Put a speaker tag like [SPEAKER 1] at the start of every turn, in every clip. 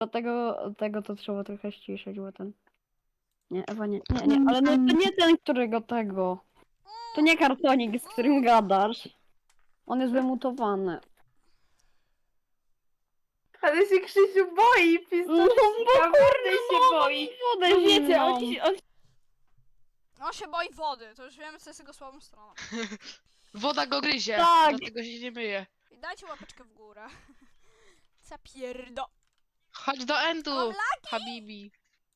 [SPEAKER 1] Tego to trzeba trochę ściszyć, bo ten... Nie, Ewa, nie, ale no to nie ten, którego tego. To nie kartonik, z którym gadasz. On jest wymutowany.
[SPEAKER 2] Ale się Krzysiu boi,
[SPEAKER 1] No
[SPEAKER 2] pistolcika, wody się boi.
[SPEAKER 1] wodę
[SPEAKER 2] No wiecie,
[SPEAKER 1] zimną.
[SPEAKER 3] On się boi wody, to już wiemy, co jest jego słabą stroną.
[SPEAKER 4] Woda go gryzie,
[SPEAKER 1] Tak.
[SPEAKER 4] dlatego się nie myje.
[SPEAKER 3] I dajcie łapeczkę w górę. Zapierdo.
[SPEAKER 4] Chodź do
[SPEAKER 3] Mam
[SPEAKER 4] endu,
[SPEAKER 3] lagi!
[SPEAKER 4] Habibi.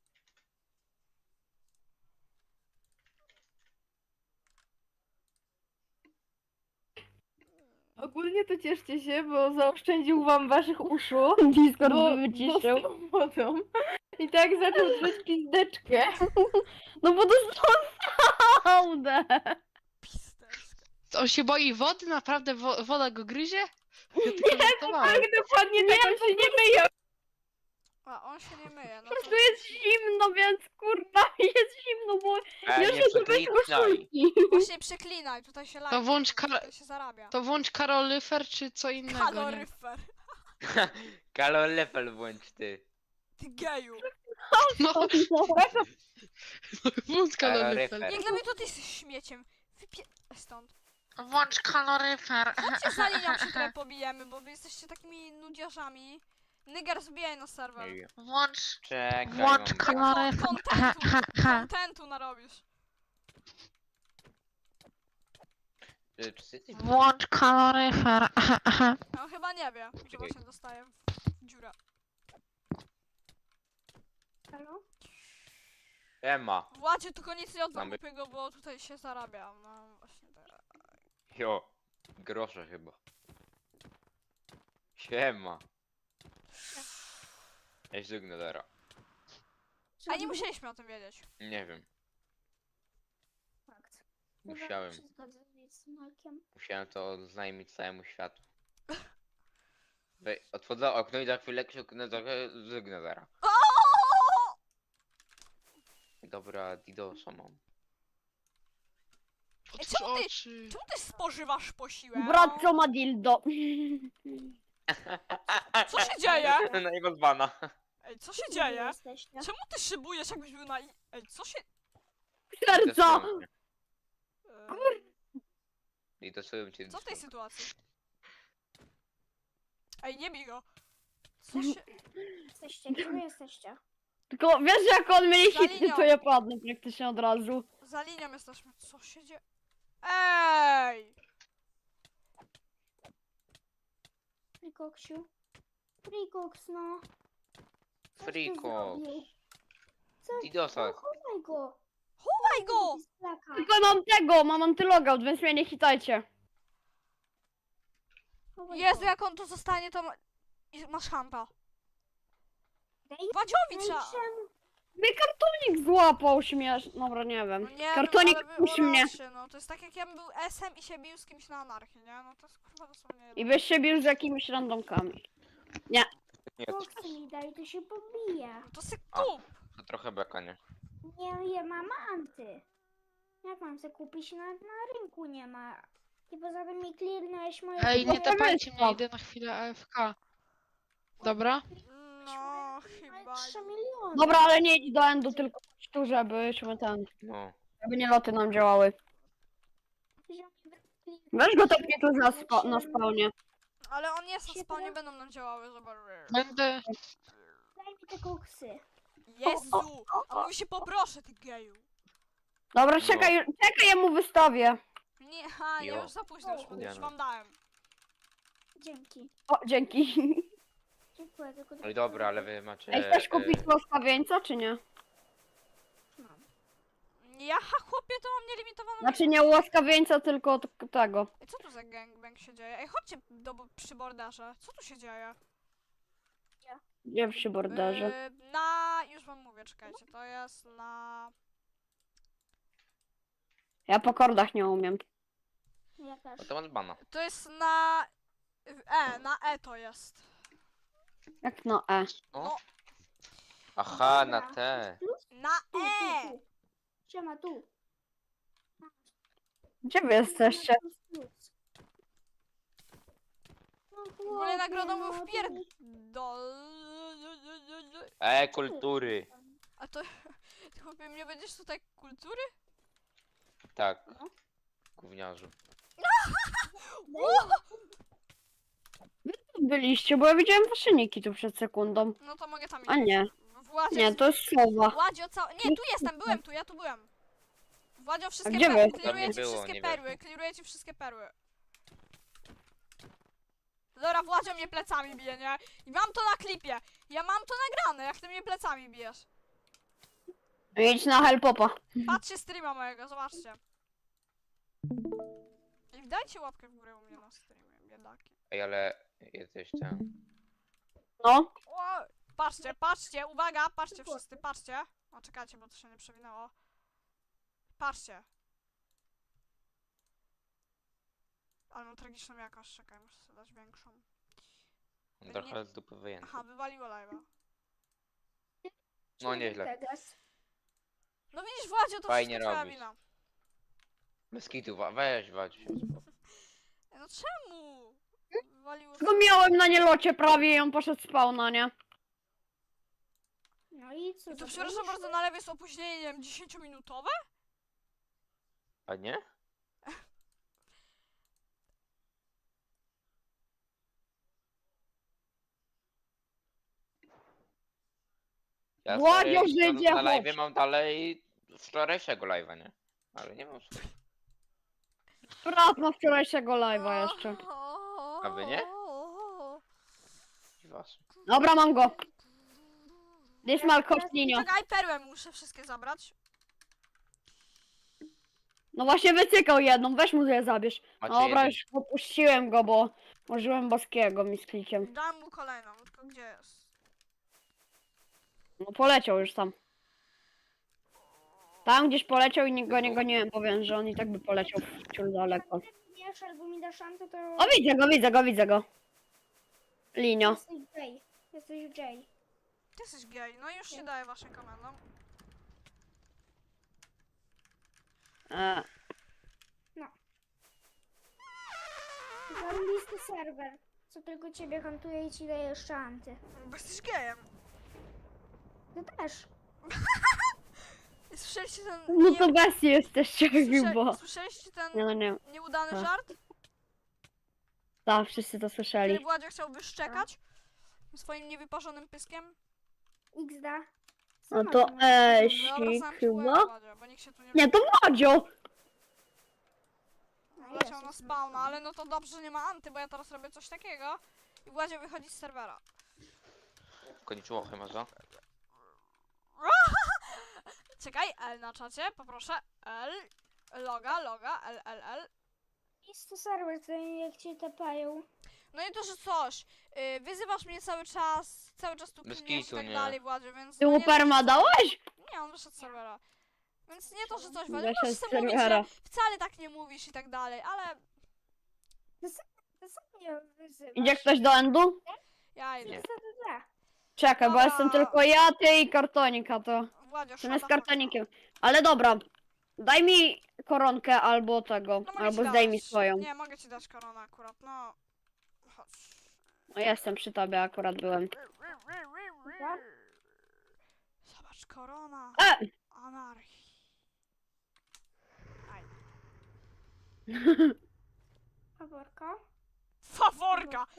[SPEAKER 2] Ogólnie to cieszcie się, bo zaoszczędził wam waszych uszu.
[SPEAKER 1] Discord
[SPEAKER 2] Bo
[SPEAKER 1] by wyciszył.
[SPEAKER 2] dostał wodą. I tak zaczął drzeć pizdeczkę.
[SPEAKER 1] No bo dostał fałdę.
[SPEAKER 3] Pisterska.
[SPEAKER 4] On się boi wody? Naprawdę woda go gryzie? Ja tylko żartowałem.
[SPEAKER 2] Tak, dokładnie tak, on się nie myje.
[SPEAKER 3] A on się nie myje, no
[SPEAKER 1] Po
[SPEAKER 3] to...
[SPEAKER 1] prostu jest zimno, więc kurwa jest zimno, bo
[SPEAKER 5] Nie
[SPEAKER 1] jeszcze to bez
[SPEAKER 5] przeklinaj.
[SPEAKER 1] koszulki.
[SPEAKER 3] Właśnie przeklinaj, tutaj się lagi.
[SPEAKER 4] To włącz
[SPEAKER 3] tutaj się zarabia.
[SPEAKER 4] To włącz kaloryfer czy co innego, nie?
[SPEAKER 3] Kaloryfer.
[SPEAKER 5] Kaloryfer włącz ty.
[SPEAKER 3] Ty geju.
[SPEAKER 4] No, włącz kaloryfer.
[SPEAKER 5] Kaloryfer.
[SPEAKER 3] Jak dla mnie to ty jesteś śmieciem. Stąd.
[SPEAKER 4] Włącz kaloryfer.
[SPEAKER 3] Chodźcie za linią się trochę pobijemy, bo wy jesteście takimi nudziarzami. Nygar, zbijaj na serwer.
[SPEAKER 4] Włącz
[SPEAKER 5] Czekaj,
[SPEAKER 4] Włącz
[SPEAKER 5] mam-
[SPEAKER 4] kaloryfer.
[SPEAKER 3] Kontentu narobisz.
[SPEAKER 5] Czy ty jesteś-
[SPEAKER 4] Włącz kaloryfer.
[SPEAKER 3] No chyba nie wie, że właśnie dostaję w dziurę.
[SPEAKER 2] Halo?
[SPEAKER 5] Ema.
[SPEAKER 3] Władzie, tylko nic nie
[SPEAKER 5] Mamy-
[SPEAKER 3] odkupię go, bo tutaj się zarabia. No właśnie tak.
[SPEAKER 5] Jo. Grosze chyba. Siema. Ja źlugnę dara.
[SPEAKER 3] A nie musieliśmy o tym wiedzieć.
[SPEAKER 5] Nie wiem.
[SPEAKER 6] Fakt.
[SPEAKER 5] Musiałem.
[SPEAKER 6] Się zgodzę z Malkiem.
[SPEAKER 5] Musiałem to oznajmić całemu światu. Otworzę okno i za chwilę krzyknę trochę źlugnę dara. Dobra, Didosa mam.
[SPEAKER 4] Otwórz
[SPEAKER 3] czemu ty-
[SPEAKER 4] oczy.
[SPEAKER 3] Czemu ty spożywasz posiłek?
[SPEAKER 1] Brat co ma dildo.
[SPEAKER 3] Co się dzieje?
[SPEAKER 5] No i bez bana.
[SPEAKER 3] Ej, co się dzieje?
[SPEAKER 6] Jesteście?
[SPEAKER 3] Czemu ty szybujesz, jakbyś był na... Ej, co się...
[SPEAKER 1] Serca!
[SPEAKER 5] Didosują cię.
[SPEAKER 3] Co w tej sytuacji? Ej, nie bij go. Co się...
[SPEAKER 6] Jesteście? Gdzie wy jesteście?
[SPEAKER 1] Tylko wiesz jak on mieli
[SPEAKER 3] Za
[SPEAKER 1] hity,
[SPEAKER 3] linią.
[SPEAKER 1] to ja padnę praktycznie od razu.
[SPEAKER 3] Za linią jesteśmy. Co się dzieje? Ej!
[SPEAKER 6] Frikoksiu? Frikoks, no. Coś ty
[SPEAKER 5] Friko.
[SPEAKER 6] zrobił. Co?
[SPEAKER 5] Didosa.
[SPEAKER 6] No, chowaj go.
[SPEAKER 3] Chowaj go!
[SPEAKER 6] Z plaka.
[SPEAKER 1] Tylko mam antylogout, więc mnie nie hitajcie.
[SPEAKER 6] Chowaj
[SPEAKER 3] Jezu,
[SPEAKER 6] go.
[SPEAKER 3] jak on tu zostanie, to masz hanta.
[SPEAKER 6] Daj-
[SPEAKER 3] Władziowi
[SPEAKER 6] daj
[SPEAKER 3] trzeba...
[SPEAKER 6] czemu?
[SPEAKER 1] Mnie kartonik złapał śmiesz. Dobra, nie wiem.
[SPEAKER 3] No nie,
[SPEAKER 1] Kartonik
[SPEAKER 3] no, ale
[SPEAKER 1] puść mnie.
[SPEAKER 3] oracie, no to jest tak jak ja bym był SM i się bił z kimś na anarchii, nie? No to jest kurwa dosłownie...
[SPEAKER 1] I byś się bił z jakimiś randomkami.
[SPEAKER 5] Nie,
[SPEAKER 6] Koksy mi daj, to się pobije.
[SPEAKER 3] No to se
[SPEAKER 5] A.
[SPEAKER 3] kup!
[SPEAKER 5] to trochę beka, nie?
[SPEAKER 6] Nie mam anty. Jak mam se kupić? Na rynku nie ma. I poza tym mi clearnąłeś moje...
[SPEAKER 4] Hej, nie
[SPEAKER 1] Dobra,
[SPEAKER 4] tapajcie
[SPEAKER 1] wyspał.
[SPEAKER 4] mnie, idę na chwilę AFK. Dobra?
[SPEAKER 3] No, chyba...
[SPEAKER 6] 3 miliony.
[SPEAKER 1] Dobra, ale nie idź do endu, tylko chodź tu, żebyśmy ten...
[SPEAKER 5] No.
[SPEAKER 1] Żeby nie loty nam działały. Weź go tepnij tu na spawnie.
[SPEAKER 3] Ale on jest na
[SPEAKER 6] Się
[SPEAKER 3] spawnie,
[SPEAKER 6] teraz-
[SPEAKER 3] będą nam działały, zobacz.
[SPEAKER 4] Będę...
[SPEAKER 6] Daj mi te koksy.
[SPEAKER 3] Jezu! A mówi się poproszę, ty geju.
[SPEAKER 1] Dobra,
[SPEAKER 5] No.
[SPEAKER 1] czekaj, ja mu wystawię.
[SPEAKER 3] Nie,
[SPEAKER 5] Jo.
[SPEAKER 3] już za późno, już
[SPEAKER 5] Diana.
[SPEAKER 3] wam dałem.
[SPEAKER 6] Dzięki.
[SPEAKER 1] O, dzięki.
[SPEAKER 6] Dziękuję, tylko...
[SPEAKER 5] No i dobra, ale wy macie...
[SPEAKER 1] Ej, chcesz kupić łaskawieńca, czy nie?
[SPEAKER 6] Mam.
[SPEAKER 3] Ja, chłopie, to mam nielimitowaną...
[SPEAKER 1] Znaczy nie łaskawieńca, tylko tego.
[SPEAKER 3] Ej, co tu za gangbang się dzieje? Ej, chodźcie przy borderze. Co tu się dzieje?
[SPEAKER 1] Gdzie przy borderze?
[SPEAKER 3] Już wam mówię, czekajcie, to jest na...
[SPEAKER 1] Ja po kordach nie umiem.
[SPEAKER 6] Ja też.
[SPEAKER 5] No to mam bana.
[SPEAKER 3] To jest na... na E to jest.
[SPEAKER 1] Jak no E.
[SPEAKER 5] O.
[SPEAKER 3] No.
[SPEAKER 5] Aha, na
[SPEAKER 6] Dobra.
[SPEAKER 5] te.
[SPEAKER 6] Plus?
[SPEAKER 3] Na
[SPEAKER 6] Tu,
[SPEAKER 3] E!
[SPEAKER 6] tu. Siema, tu.
[SPEAKER 1] Gdzie wy jesteście?
[SPEAKER 6] Plus, plus. No, tu
[SPEAKER 3] W ogóle nagrodą był
[SPEAKER 6] no,
[SPEAKER 3] wpierdol.
[SPEAKER 5] Kultury.
[SPEAKER 3] A to... Ty chłopie, mnie będziesz tutaj kultury?
[SPEAKER 5] Tak. Gówniarzu.
[SPEAKER 1] Byliście, bo ja widziałem wasze niki tu przed sekundą.
[SPEAKER 3] No to mogę tam iść.
[SPEAKER 1] A nie,
[SPEAKER 3] Władzio,
[SPEAKER 1] nie, to jest słowa.
[SPEAKER 3] Władzio Nie, tu jestem, byłem tu, ja tu byłem. Władzio, wszystkie
[SPEAKER 1] gdzie
[SPEAKER 3] perły,
[SPEAKER 1] wy?
[SPEAKER 3] kliruję
[SPEAKER 5] Tam
[SPEAKER 3] ci
[SPEAKER 5] nie było,
[SPEAKER 3] wszystkie
[SPEAKER 5] nie
[SPEAKER 3] perły, kliruję ci wszystkie perły. Dobra, Władzio mnie plecami bije, nie? I mam to na klipie. Ja mam to nagrane, jak ty mnie plecami bijesz.
[SPEAKER 1] Idź na helpopa.
[SPEAKER 3] Patrzcie streama mojego, zobaczcie. I dajcie łapkę w górę u mnie na streamie, biedaki.
[SPEAKER 5] Ej, ale jesteś ten.
[SPEAKER 1] No,
[SPEAKER 3] O, patrzcie, patrzcie, uwaga, patrzcie wszyscy, patrzcie. O, czekajcie, bo to się nie przewinęło. Patrzcie. Ale mam tragiczną jakość, czekaj, muszę sobie dać większą.
[SPEAKER 5] Trochę z dupy wyjęty.
[SPEAKER 3] Aha, wywaliło live'a.
[SPEAKER 5] No nieźle.
[SPEAKER 6] Teraz.
[SPEAKER 3] No widzisz, Władzio, to
[SPEAKER 5] Fajnie
[SPEAKER 3] wszystko twoja
[SPEAKER 5] robisz.
[SPEAKER 3] wina.
[SPEAKER 5] Bez kitu, weź, wadź się.
[SPEAKER 3] No czemu? Wywaliło
[SPEAKER 1] tylko miałem na nielocie prawie i on poszedł spawna, nie?
[SPEAKER 6] No i co?
[SPEAKER 3] I to
[SPEAKER 6] zabrałeś?
[SPEAKER 3] przepraszam bardzo, na lewie jest opóźnienie, nie wiem, 10-minutowe?
[SPEAKER 5] A nie? Ja
[SPEAKER 1] Władzio,
[SPEAKER 5] stary,
[SPEAKER 1] Żydzie,
[SPEAKER 5] na live
[SPEAKER 1] chodź.
[SPEAKER 5] mam dalej wczorajszego live'a, nie? Ale nie mam swojego.
[SPEAKER 1] Brat ma wczorajszego live'a jeszcze.
[SPEAKER 5] A wy nie? Was.
[SPEAKER 1] Dobra, mam go. Dismal Kostninio.
[SPEAKER 3] Czekaj, perłę muszę wszystkie zabrać.
[SPEAKER 1] No właśnie wycykał jedną, weź mu je zabierz.
[SPEAKER 5] Macie
[SPEAKER 1] Dobra,
[SPEAKER 5] jeden.
[SPEAKER 1] już opuściłem go, bo użyłem boskiego mi z klikiem.
[SPEAKER 3] Dam mu kolejną, tylko gdzie jest?
[SPEAKER 1] No poleciał już tam. Tam gdzieś poleciał i go nie goniłem, powiem, że on i tak by poleciał wciąż daleko.
[SPEAKER 6] Wiesz, albo mi dasz szantę, to...
[SPEAKER 1] O, widzę go. Linio.
[SPEAKER 6] Jesteś Jay. Jesteś Jay.
[SPEAKER 3] Ty jesteś gej, no już się daję waszym komendom.
[SPEAKER 6] Zarobisty serwer. Co tylko ciebie hantuje i ci daje szanty.
[SPEAKER 3] Bo jesteś gejem.
[SPEAKER 6] Ty też.
[SPEAKER 3] Słyszeliście ten...
[SPEAKER 1] No to bestie jesteście chyba.
[SPEAKER 3] Słyszeliście ten
[SPEAKER 1] Nie, no nie.
[SPEAKER 3] nieudany
[SPEAKER 1] Tak.
[SPEAKER 3] żart?
[SPEAKER 1] Tak, wszyscy to
[SPEAKER 3] Który
[SPEAKER 1] słyszeli.
[SPEAKER 3] Władzio chciał wyszczekać? Swoim niewyparzonym pyskiem?
[SPEAKER 6] XD.
[SPEAKER 1] No
[SPEAKER 6] Sama
[SPEAKER 1] to
[SPEAKER 6] to masz.
[SPEAKER 1] Esik
[SPEAKER 3] zamknij
[SPEAKER 1] chyba.
[SPEAKER 3] łeb, Władzio, bo nikt się tu nie...
[SPEAKER 1] Nie, to Madzio!
[SPEAKER 6] No,
[SPEAKER 3] Wleciał na
[SPEAKER 6] jest.
[SPEAKER 3] spawna, ale no to dobrze, że nie ma anty, bo ja teraz robię coś takiego i Władzio wychodzi z serwera.
[SPEAKER 5] Koniczyło chyba, co?
[SPEAKER 3] Czekaj, L na czacie, poproszę. L. Loga, L.
[SPEAKER 6] Jest to serwer, to jak cię tapają.
[SPEAKER 3] No i to, że coś. Wyzywasz mnie cały czas tu
[SPEAKER 5] Bez
[SPEAKER 3] kliniesz i
[SPEAKER 5] kitu,
[SPEAKER 3] tak
[SPEAKER 5] nie.
[SPEAKER 3] dalej, Władzio, więc...
[SPEAKER 1] Ty
[SPEAKER 3] no
[SPEAKER 1] mu
[SPEAKER 3] nie to, że
[SPEAKER 1] perma
[SPEAKER 3] coś-
[SPEAKER 1] dałeś?
[SPEAKER 3] Nie, on wyszedł z serwera. Więc nie to, że coś, Władzio,
[SPEAKER 1] Wyszedł
[SPEAKER 3] możesz
[SPEAKER 1] z
[SPEAKER 3] sobie mówić,
[SPEAKER 1] serwera.
[SPEAKER 3] że wcale tak nie mówisz i tak dalej, ale
[SPEAKER 6] Ty sam mnie wyzywasz.
[SPEAKER 1] Idzie ktoś do endu?
[SPEAKER 3] ja idę.
[SPEAKER 5] Nie.
[SPEAKER 1] Czekaj, bo
[SPEAKER 3] Dobra.
[SPEAKER 1] jestem tylko ja, ty i kartonika, to...
[SPEAKER 3] Władzio,
[SPEAKER 1] Ten jest
[SPEAKER 3] szata,
[SPEAKER 1] kartonikiem. Ale dobra, daj mi koronkę albo tego,
[SPEAKER 3] No mogę
[SPEAKER 1] albo
[SPEAKER 3] ci
[SPEAKER 1] zdejmij
[SPEAKER 3] dać.
[SPEAKER 1] swoją.
[SPEAKER 3] Nie, mogę ci dać koronę akurat, no. Chodź.
[SPEAKER 1] No jestem przy tobie, akurat byłem.
[SPEAKER 3] Zobacz, korona.
[SPEAKER 1] E!
[SPEAKER 3] Anarchii. Aj.
[SPEAKER 6] Faworka.
[SPEAKER 3] Faworka!